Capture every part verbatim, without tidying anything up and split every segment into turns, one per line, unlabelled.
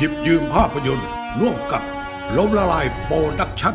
ยิบยืมภาพยนตร์ร่วมกับล้มละลายโปรดักชั่น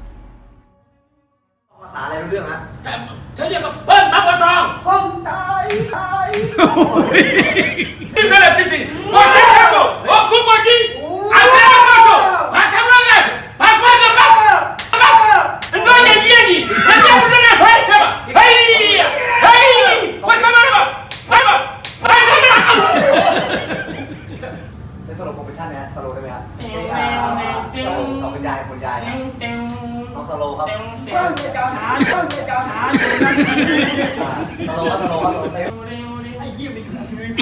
ภาษาอะไรรู้เรื่องฮะ
แต่ฉันเรียกว่าเปิ้ลบักบัวทอง
คนตายตาย
นี่เป็นอะไรจริงๆว่าฉันแค่บอกว่าคุณบอกจริงอันนี้ก็ถูกพาทำเรื่องอะไรพาคนกับบักบักน้อยอย่างนี้นี่อันนี้มันเป็นอะไรเฮ้ยเฮ้ยเฮ้ยว่าสมัยแบบเฮ้ยแบบเฮ้ยสมัย
ในสโลว์โปรเฟชั่นเนี่ยสโลว์ได้ไหมฮะเออสโลว์กับคุณยายคุณยายน้องสโลว์ครับต้องมีการหาต้องมีการหาสโลว์ครับสโลว์ครับไอ้เหี้ยมัน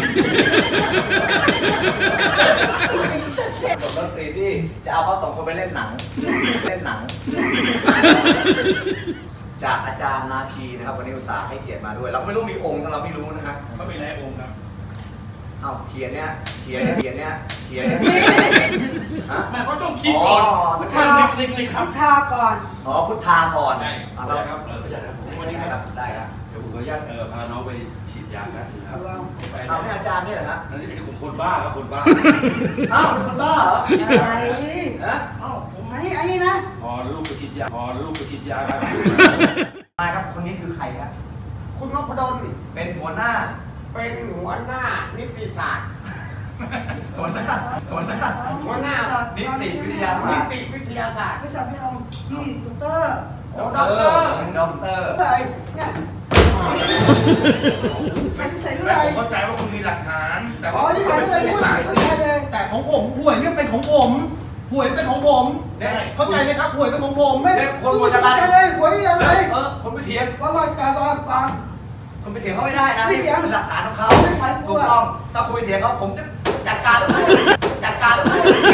จบเรื่องซีที่จะเอาเขาสองคนไปเล่นหนังเล่นหนังจากอาจารย์นาคีนะครับวันนี้อุตส่าห์ให้เกียรติมาด้วยเราไม่รู้มีองค์เราไม่รู้นะครับ
เขามีหลายองค์ครับ
เอาเขียนเนี่ยเขียนเขียนเนี่ยเขียนฮะ
มันก็ต้องคิดก่อนพุทธาเล็กๆครับ
พุทธาก่อนอ๋อพุทธาก่อน
ใช่
ได้ครับเออขยันครับผม
วันนี้ครับได้ครับ
เดี๋ยวผมขออนุญาตเออพาน้องไปฉีดยาครับ
ไปเอาเนี่ยอาจารย์เนี่ยเหรอฮะ
นั่นนี่ผมคนบ้าครับคนบ้า
อ้าวเป็นคนบ้าเหรออะไรฮะ
อ้าวผม
ไอ้ไอ้นี่นะ
พอลูกไปฉีดยาพอลูกไปฉีดยาครับ
มาครับคนนี้คือใครครับ
คุณนพดล
เป็นหัวหน้า
เป็นหัวหน้านิติศาสตร์
หัวหน้าหัวหน้า
หัวหน้า
นิติวิทยาศา
นิ
สตร์
ติวิทยาศาสตร์
ไม่ใช่ไม่เอาพี่ด็อกเตอร์
ด็อกเตอร์
ด็อกเตอร์
อะไรเนี่ยใส่ใส่ด้วยอะไร
เข้าใจว่าคุณมีหลักฐานแต่
อ๋อนี่ใส่ด้วยอะไรเข้าใจเลย
แต่ของผมหวยเนี่ยเป็นของผมหวยเป็นของผมเข้าใจไหมครับหวยเป็นของผม
ไม่คนหัวจะอะไรเลยหวยอะไร
เออคนไปเถียง
ว่าว่าการว่าฟัง
คนไปเถียงเขาไม่ได้นะนี่เป็นหลักฐานของเขาถูกต้องถ้าคุณไปเถียงเขาผมจะจัดการจัดการได้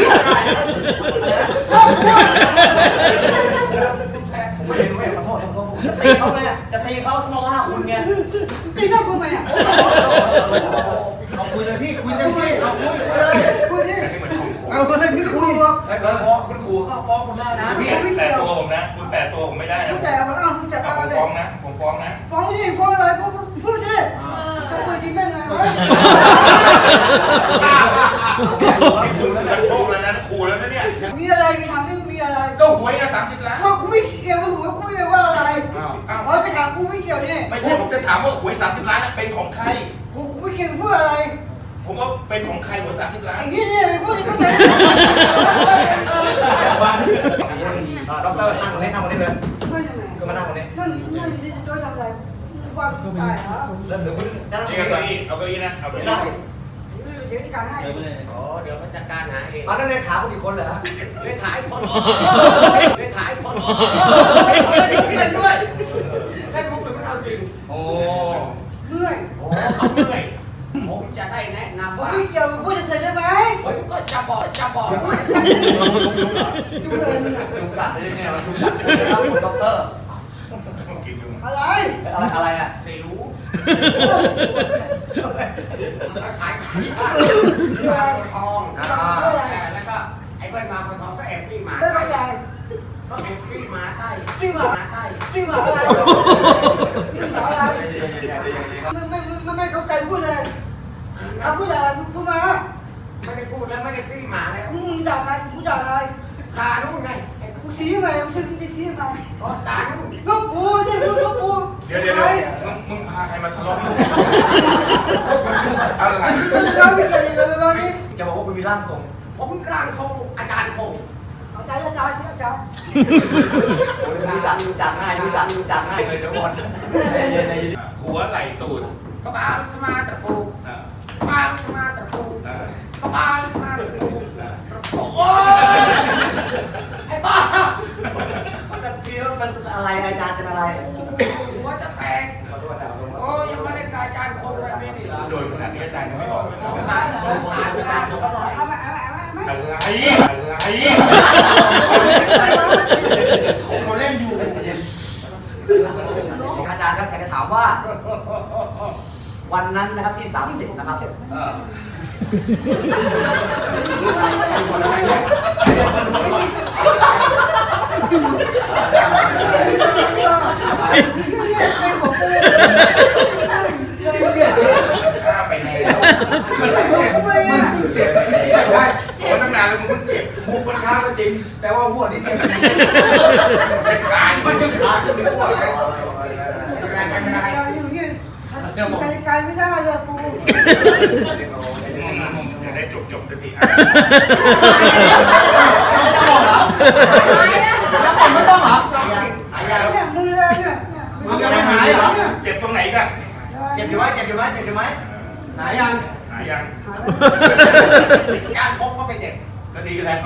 ผมไม่เห็นไม่เห็นขอโทษขอโทษจะตีเขาเลยจะตีเขาเขาว่าคุณไง
ตีหน้าคุณไหมอ่ะ
เอาคุยเลยพี่คุยเลยพี่เอาคุยเลย
คุยดิ
เอาก็ได้พี่คุย
แล้วฟ้องคุณขู่ก็ฟ้องคุณได้นะ
พี่แต่ตัวผมนะคุณแต่ตัวผมไม่ได้นะ
แต่ว่าอ้าวคุณจัดการ
ผมฟ้องนะผมฟ้องนะ
ฟ้องดิฟ้องอะไรพูดพูดดิจะคุยดีแม่งไง
คุณจะโชคแล้วนะขู่แล้วนะเนี่ย
มีอะไรมีทำไม่มีอะไร
ก็หวยกันสามสิบล้าน
ว่ากูไม่เกี่ยวกับหวยกูไม่เกี่ยวว่าอะไรอ๋อจะถามกูไม่เกี่ยวนี่
ไม่ใช่ผมจะถามว่าหวยสามสิบล้านเป็นของใคร
กูกูไม่เกี่ยวพูดอะไร
ผมว่าเป็นของใครหวยสามสิบล้าน
ไอ้นี่เนี่ยพูดก็เป็น
ด็อกเตอร์นั่งตรงนี้นั่งตรงนี้เลย
ไม่ทำไม
ก็มานั่งตรงนี้
นั่นนั่นด้วยทำอะไรว่าตายเหรอ
เริ่มเดี๋ยวคุณจะ
นี่เก้าอี้เอาเก้าอี้นะเอาเก้าอี้
เดี๋ยวการให้
อ๋อเดี๋ยวเขาจัดการหาเอง
มาแล้วเลขาคุณอีกคนเหรอ
เลขาอีกคนเลขาอีกคนเล่นด้วยเล่นมุกเป็นไม่เอาจริง
โอ้
เมื่อย
โอ้เขาเมื่อยผมจะได้แนะนำว่า
พี่เกี่ยวพูดจะเสร็จได้ไหม
ผมก็จะบอกจะบอก
จุ๊เลยมึงอ่ะ
จุ๊กัดได้เนี่ยมันจุ๊กัดนะครับคุณด็อกเตอร์
อะไร
อะไรอะไรอ่ะ
สิวขายขายมาทองแล้วก็ไอ้เบิ้ลมาทองก็แอบปี้หมา
ไม่เข้าใจ
ก็แอบปี้หมาใต้
ซิ่งหมา
ใต้
ซิ่งหมาอะไรซิ่งหมาอะไรไม่ไม่ไม่ไม่เข้าใจพูดเลยเอาพูดอะไรพูดมา
ไม่ได้พูดแล้วไม่ได้ปี้หมาแล้ว
มึงด่าใครมึงด่าอะไร
ตานู่นไง
กูชี้ไหมมึงชี้มึงชี้ไหม
ก็ตานู่น
ก็กูเนี่ยมึงก็กู
เดี๋ยวเดี๋ยวมึงมึงพาใครมาทะเลาะอะไร
เราไม่เคยเลยเรานี่
จะบอกว่าคุณมีร่างทรง
ผมร่างทรงอาจารย์คง
อาจารย์อาจารย์อาจารย์
โอ้ยรู้จักรู้จักง่ายรู้จักรู้จักง่ายเลยทุกคน
หัวไหล่ตูด
กระบาลสมาตะปูกระบาลสมาตะปูกระบาลสมาตะปูโอ้ไอ้บ้า
มันจะทีว่ามันอะไรอาจารย์เป็นอะไร
หัวจะแตกโอ้ยังไม่ได้กายอาจารย์คงแบบนี้นี่
โดนขนาดนี้อาจารย์ยังไม่บอก
สงสารสงสารอาจารย์เขาบอก
เอามาเอามาเอามา
อะไรอะไรเขาเล่นอยู่
อาจารย์ครับอยากจะถามว่าวันนั้นนะครับที่สามสิบนะครับ
ข้าไปแล้วมันเจ็บมันเจ็บไม่ใช่โอ้ตั้งนานแล้ว
ก็ไม่อ้วนเลย
อยู่นี่ใจกายไม่ได้เลยปู
จะได้จบจบสักที
แล้วผมไม่ต้องเหรอหายยา
เนี่ยมือเลยเนี่ย
มันยังไม่หายเหรอ
เจ็บตรงไหนกัน
เจ็บอยู่ไหมเจ็บอยู่ไหมเจ็บอยู่ไหมหายยัง
หายัง
การพกก็ไปเจ็บ
ก็ดีแล้ว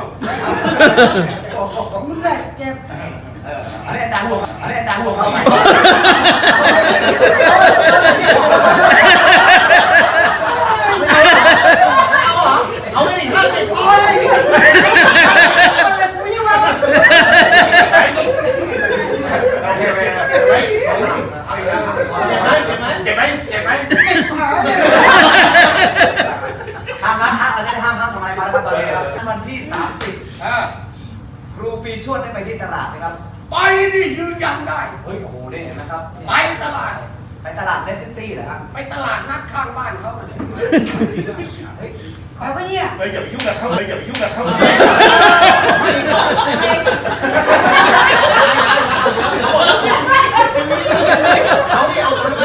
มึงเลยเจ็บ
เอออันนี้อาจารย์หัวอันนี้อาจารย์หัวเข้าไปเอาไม่ดิห้าสิบ
โอ้ยเนี่ยกูยังว่า
โอเคไป
เจ็บไหมเจ็บไหมเจ็บไหมเจ็บไหม
หาเนี่ย
ห้ามนะห้ามอาจารย์ห้ามห้ามทำอะไรมาแล้วครับตอนนี้ครับวันที่สามสิบครูปีชวดได้ไปที่ตลาดนะครับ
ไปนี่ยืนยันได้
เฮ้ยโอ้โหนี่เห็นไหมครับ
ไปตลาด
ไปตลาดเนสซิตี้เหรอครับ
ไปตลาดนัดข้างบ้านเขามาเลย
เฮ้ย
ไปปะเนี่ย
เฮ้ยอย่าไปยุ่งกับเขาเลยอย่าไปยุ่งกับเขา
เอาดิเอาคนไหม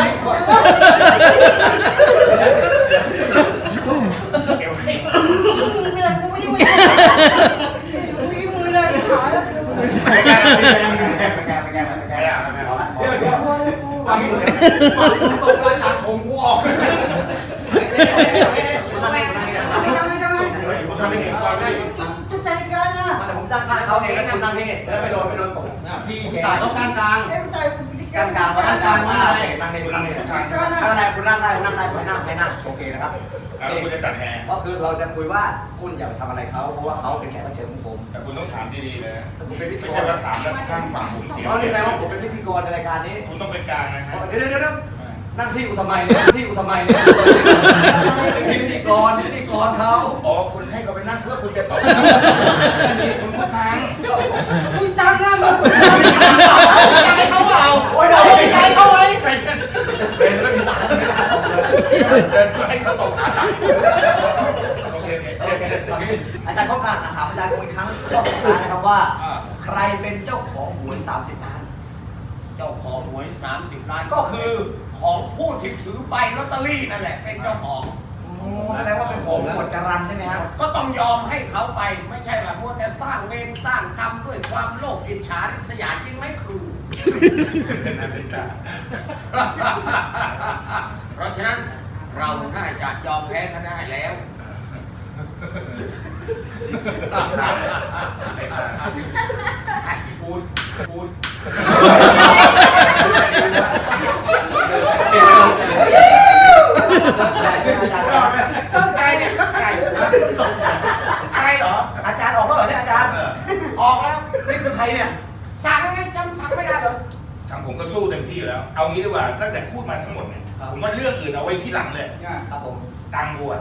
เดี๋ยวให้
เนี่ยกูไม่ยังกูยังมือเลยขาแล้ว
ไปแกไปแกไปแกไปแกเอาละ
เดี๋ยวเดี๋ยวฟังตกรายการผมกูออก
คุณทำไมคุณทำไม
ทำไมทำไมทำไม
เฮ้ยผมทำให้เห็นก่อนได้
จะใจกันนะ
มาแต่ผมจ้างค่าเขาเองแล้วคุณนั่งนี่แล้วไปโดนไปโดนตกพี่ตายต้องการกลาง
ใช้ใจกูพิ
กลางกลางมาด้านกลางมานั่งนี่คุณนั่งนี่
การ
ถ้าอะไรคุณนั่งได้คุณนั่งได้คุณนั่งไม่นั่งโอเคนะครับ
แล้วคุณจะจัดแอร์
ก็คือเราจะคุยว่าคุณอย่าไปทำอะไรเขาเพราะว่าเขาเป็นแขกรับเชิญของผม
แต่คุณต้องถามดีๆนะ
ผมเป็นพิธี
ไม่
ก
ใช่
ร
ว่าถามแล้วข้างฝั่งผมเสีย
เพราะนี่แปลว่าผมเป็นพิธีกรในรายการนี้
คุณต้องเป็นกลางนะฮะ
เดี๋ยวเดี๋ยวเดี๋ยวนั่งที่กูทำไมเนี่ยที่กูทำไมเนี่ยเป็นพิธีกรพิธีกรเขา
อ๋อคุณให้เขาไปนั่งเพื่อคุณจะตอบนี่คุณพูดทาง
มึงตังนะมึง
ให้เขาเอา
โอ้ยเราไม่ใจเขาไว้
ใส่เงิน
เป็นไม่มีตังค์ไม่ได้ตกเลย
เดินก็ให้เขาตกหาตังค์โอเคโอเค
โอเคตอนนี้อาจารย์เขาการถามอาจารย์อีกครั้งก็สุดท้ายนะครับว่า ใครเป็นเจ้าของหวยสามสิบล้าน
เจ้าของหวยสามสิบล้านก็คือของผู้ที่ถือใบลอตเตอรี่นั่นแหละเป็นเจ้าของ
แสดงว่าเป็นของหมวดจรันใช่ไหมครับ
ก็ต้องยอมให้เขาไปไม่ใช่แบบว่าจะสร้างเวรสร้างกรรมด้วยความโลภอิจฉาริษยาจริงไหมครู เพราะฉะนั้นเราน่าจะยอมแพ้เขาได้แล้ว
ไอ้พูดพูด
อะไรเนี่ยอะไรอะไรเหรอ
อาจารย์ออกแล้วเหรอเนี่ยอาจารย์
ออกแล้ว
นี่คือใครเนี่ย
สั่งไงจำสั่งไม่ได้เหรอ
ทางผมก็สู้เต็มที่แล้ว เอางี้ดีกว่าตั้งแต่พูดมาทั้งหมดเนี่ยผมว่าเรื่องอื่นเอาไว้ที่หลังเลย
ครับผม
ตังบัว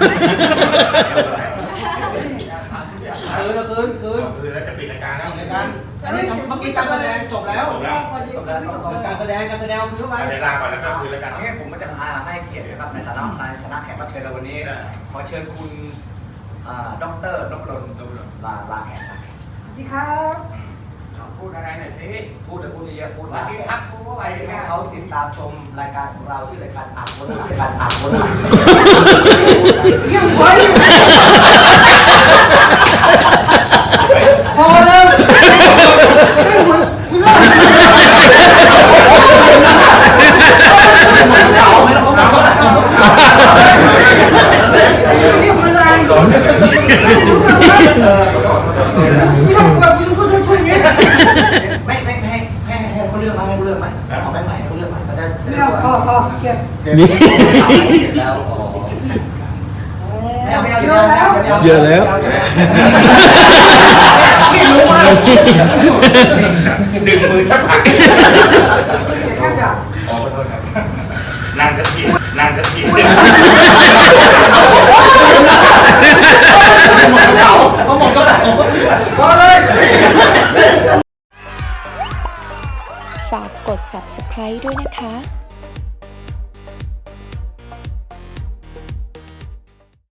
คืนคืนคืน
คือแล้วจะปิดรายการแล้ว
รายการอันนี้เมื่อกี้การแสดงจบแล้ว
จบแล้ว
จบแล้วการแสดงการแสดงคือเข้าไป
เดี๋ยวลาก่อนแล้วก็คืนรายการ
งั้นผมจะให้เกียรตินะครับในฐานะในฐานะแขกรับเชิญในวันนี้ ขอเชิญคุณด็อกเตอร์นพดลลาลาแขกลาแขก
สวัสดีครับ
พูดอะไรหน่อยสิ
พูดแต่พูดเยอะพูด
วัน
ลา
นี้
แข
พั
ก
กกูก็ไป
ให้
แค่
เขาติดตามชมรายการของเราที่รายการอ่านโบราณรายการอ่านโบราณ
เสียงไว้พอแล้วไม่หมดเลิก
เอาไม่ต้องเอา
เรียกมาลาย
ร้อนเลย
เออ
ไม่ต้องกลัวกูก็จะช่วยเงี้ย
ไม่ไม่ไม่ให้ให้ให้เขาเลือกมาให้เขาเลือกมาเอาไปใหม่เขาเลือกมาเขาจะ
ไม่เอาพอพอเก็บ
นี่แล้วอ๋อไม่เอาไม่เอาเยอะแล้วเยอะแล้วนี่รู้มาก
ดึงมือทับผัก
แค่แบบ
อ๋อขอโทษครับนั่งสักทีนั่งสักที
เขาหมดก็ได้พอเลย
ฝากกด ซับสไครบ์ ด้วยนะคะ